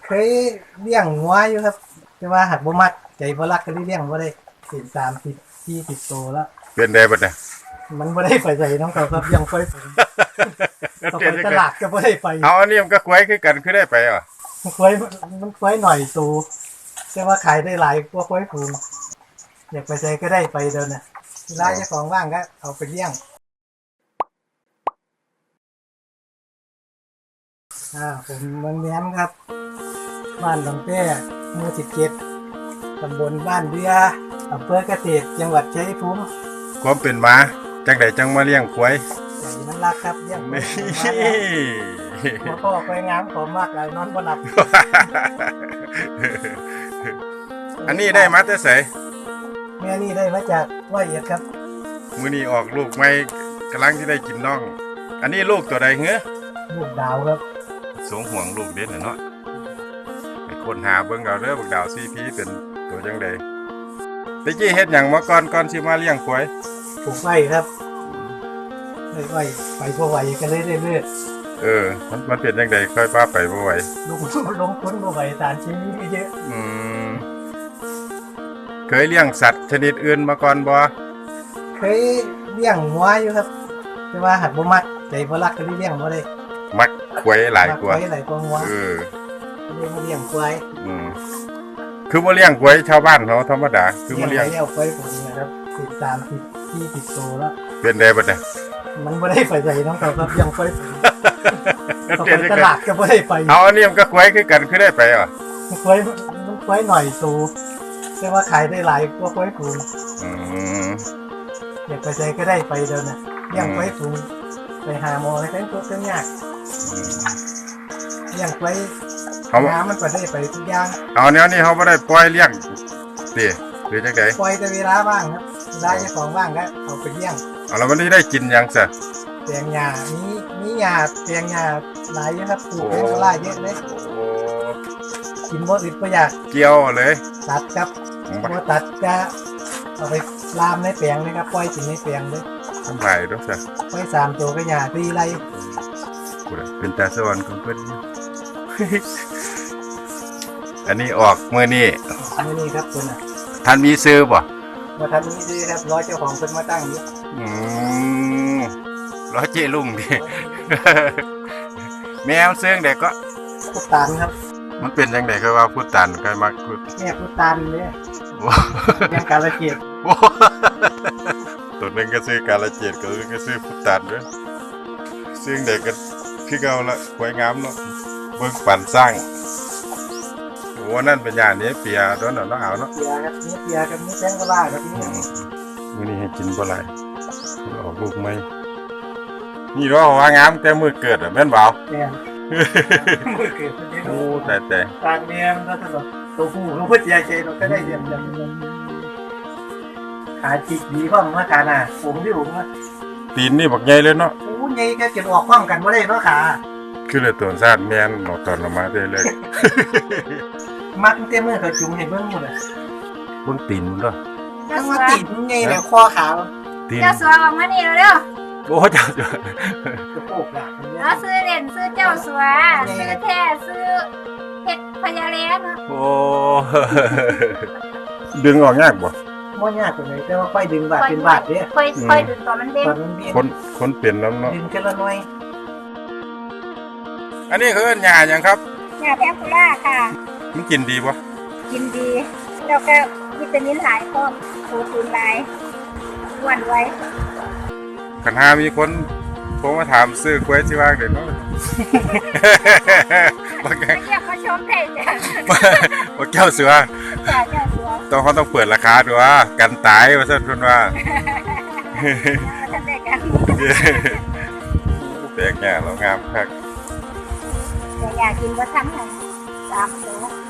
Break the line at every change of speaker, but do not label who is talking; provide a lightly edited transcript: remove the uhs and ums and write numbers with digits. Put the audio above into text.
เคยเลี้ยงงัวอยู่ครับแต่ว่าหักบ่มักใจบ่รักก็เลยเลี้ยงบ่ได้เป็น30-40โตแล้ว
เป็นได้บัดเนี่ย
มันบ่ได้ไปใส่น้องเขาครับยังค่อยผมต้องไปตลาดก็บ่ได้ไป
เอาอันนี้มันก็ควายคือกันคือได้ไปอ่ะ
มันค่อยหน่อยโตแต่ว่าขายได้หลายกว่าค่อยฝูงอยากไปใส่ก็ได้ไปเดินน่ะเวลาเจ้าของว่างก็เอาไปเลี้ยงผมเมืองแย้มครับบ้านหนองแต้หมู่17ตำบลบ้านเรืออำเภอเกษตรจังหวัดชัยภูมิ
ความเป็นมาจังไดจังมาเลี้ยงควาย
ใจมันรักครับเลี้ยงนี่พ่อควายงามผมมากเลยนอนบ่หลับ
อันนี้ได้มาแต่ไส
แม่นี่ได้มาจาก100 เอ็ดครับ
มื้อนี้ออกลูกใหม่กำลังที่ได้กินน้องอันนี้ลูกตัวใดเหรอ
ลูกดาวครับ
สงห่วงลูกเด่นเนาะไปค้นหาเบิ่งเอาเด้อบักดาวซีพีเป็นตัวจังได๋ตะกี้เฮ็ดหยังมาก่อนสิมาเลี้ยงควาย
ปลูกไว้ครับไว้ไปบ่ไหวก็เลยได้เลือด
มันเป็นจังได๋ค่อยพาไปบ่ไหว
ลงทุนบ่ไหวสารชีวิตเยอะ
เคยเลี้ยงสัตว์ชนิดอื่นมาก่อนบ่
เคยเลี้ยงงัวอยู่ครับแต่ว่าหักบ่มักใจบ่รักก็เลยเลี้ยงบ่ได้
มักควายหลายกว่า
งัวเลี้ยงควาย
คือบ่เลี้ยงควายชาวบ้านเขาธรรมดาคือบ่เลี้ยง
ควายผมนะครับ30-40โตแล้ว
เป็นได้บัดเนี่ย
มันบ่ได้ไปใส่น้องเขาครับยังควายต้องไปตลาดก็บ่ได้ไป
เอาอันนี้มันก็ควายคือกันคือได้ไปอ่ะ
ควายหน่อยโตแต่ว่าขายได้หลายกว่าควายฝูงอยากไปใส่ก็ได้ไปเดินน่ะเลี้ยงควายฝูงไปหาหมอให้เป็นตัวเป็นยากเลี้ยงควายน้ำมันไปได้ไปทุกอย่าง
เอาแนวนี้เขาไม่ได้ปล่อยเลี้ยงสิหรือจังได
ปล่อยแต่เวลาว่างครับเวลาเจ้าของว่างก็เอาไปเลี้ยง
แล้วมันได้กินยังซะ
แปลงหญ้ามีหญ้าแปลงหญ้าหลายอยู่ครับปลูกเป็นกระไรเยอะเลยกินบ่อึดบ่อยาก
เกี่ยวเลย
ตัดครับบ่ตัดจะเอาไปลามในแปลงเลยครับปล่อยกินในแปลงเลย
ทำไรด้วยซะ
ปล่อย3 ตัวก็หญ้า4 ไร่
เป็นตาสวรรค์ของเพิ่นอันนี้ออกมื้อนี้
ครับเพิ่นน่ะ
ท่านมีซื้อบ่
ท่านมีซื้อครับรอเจ้าของเพิ่นมาตั้งอยู่
รอเจลุงดิแมวซื้อได้ก็
พุตานครับ
มันเป็นจังได๋คือว่าพุตานใครมักพุ
แม่พุตานเด้ยังกาลเกียรติ
ตัวนึงก็ซื้อกาลเกียรติก็ซื้อพุตานด้วยซื้อได้ก็คือเก่าละสวยงามเนาะเบิ่งปั่นสร้างวันนั้นเป็นอย่างนี้เปียโดนเนาะเอาเนาะ
เปียครับนี่เปียกับนี่แป้งกะลาครับนี่
มื้อนี้ให้กินบ่หลายออกลูกใหม่นี่ว่าว่างามแต่มื้อเกิดอ่ะแม่นบ่
แม่นมื้อเกิด
โอ้แต่
ตากแม่มก็ตลอดตัวผู้รู้เพิ่นใจใจเราก็ได้เรียนจังขาจิกดีพร้อมมาขาหน้าผมที่ผมว่า
ตีนนี่บักใหญ่เลยเนาะ
โอ้ใหญ่แค่จะออกพร้อมกันบ่ได้เนาะขา
คือเลยตัวซาดแม่นตอนละมาได้เลย
มักเต็มมือเขาจุ่มให้เบิ่งหมดอ่ะ
เบิ่งตีนมันเด้อ
จังว่าตีนไงแล้วคอขาว
เจ้าสัวออกมานี่เร็ว
โอ้เจ้า
จะโปกล่ะ
แล้วซื้อเด่นซื้อเจ้าสัวซื้อแท้ซื้อเฮ็ดพญาแลน
โอ้ดึงออกยากบ่
ยากตัวไหนแต่ว่าค่อยดึงบาดเป็นบาดเด้
ค่อยดึงตอนมันเด้ง
คนเปลี่ยนน้ำเนาะ
ดึงกันละหน่อย
อันนี้คือหญ้าหยังครับ
หญ้าแพงคูล่าค่ะ
มันกินดีป่ะ
กินดีแล้วก็วิตามินหลายพร้อมโปรตีนหลายอ้วนไว้
คันหามีคนโทรมาถามซื้อกล้วยสิว่าเด้เนาะ
บ่แก้วมาชมได้จ้ะ
บ่แก้วเสือ
จ้ะแก้วเสือ
ต้องเปิดราคาด้วยว่ากันตายว่าซั่นเพิ่นว่า
ท่านได้กัน
แปลกแง่แล้วงามคัก
อยากกินบ่ทันค่ะ3 โล